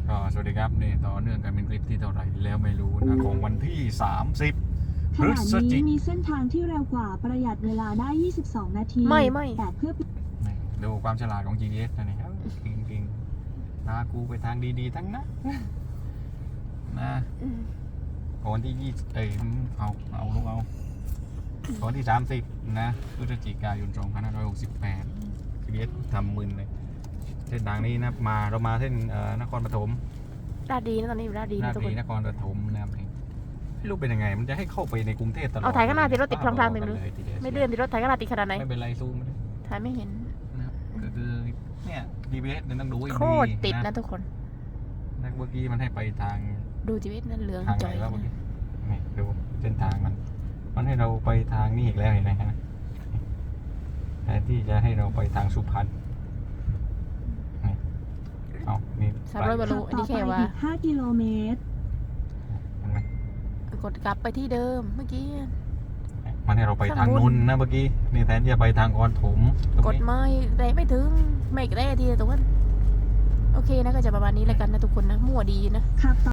ก็สวัสดีครับนี่ต่อเนื่องกันเป็นคลิปที่เท่าไหร่แล้วไม่รู้นะของวันที่30 ขพฤณะศจินี้กมีเส้นทางที่เร็วกว่าประหยัดเวลาได้ 22 นาทีไม่แต่เพื่อนี่ดูความฉลาดของ GPS นะนี่ครับจริงๆพากูไปทางดีๆทั้งนั้นนะก่อนที่เอาลูกเอาก่อนที่30นะพฤศจิกายน2568 GPS ทำมึนเลยเส้นทางนี้นะเรามาเส้นนครปฐมราดดีนะตอนนี้อยู่ราดดีนานะทุกทีคนนครปฐมนะครับไม่รู้เป็นยังไงมันจะให้เข้าไปในกรุงเทพตลอดเอาถ่ายข้างหน้าติดรถติดพลางๆเลเต็มเลยทีดียวไม่เลื่อนติดรถไถกระดาษติดขนาดไหนไม่เป็นไรซูมมาเลยถ่ายไม่เห็นนะครับก็คือเนี่ย GPS เนี่ยต้องดูให้โคดีตรติดนะทุกคนนะเมื่อกี้มันให้ไปทางดูชีวิตนั้นเหลืองทางจ่ไหนอยวะเมื่อกี้นี่ดูเส้นทางมันให้เราไปทางนี้อีกแล้วเห็นไหมฮะแทนที่จะให้เราไปทางสุพรรณนี่เอานี่ 300 บาลูอันนี้แค่ว่าอีก 5 กิโลเมตรเห็นไหมกดกลับไปที่เดิมเมื่อกี้มันให้เราไปทางข้างบนนนท์นะเมื่อกี้นี่แทนที่จะไปทางกรถมตรงกดนี้ไม่แรงไม่ถึงไม่แรงทีตรงนั้นโอเคนะก็จะประมาณนี้แล้วกันนะทุกคนนะมั่วดีนะขับต่อ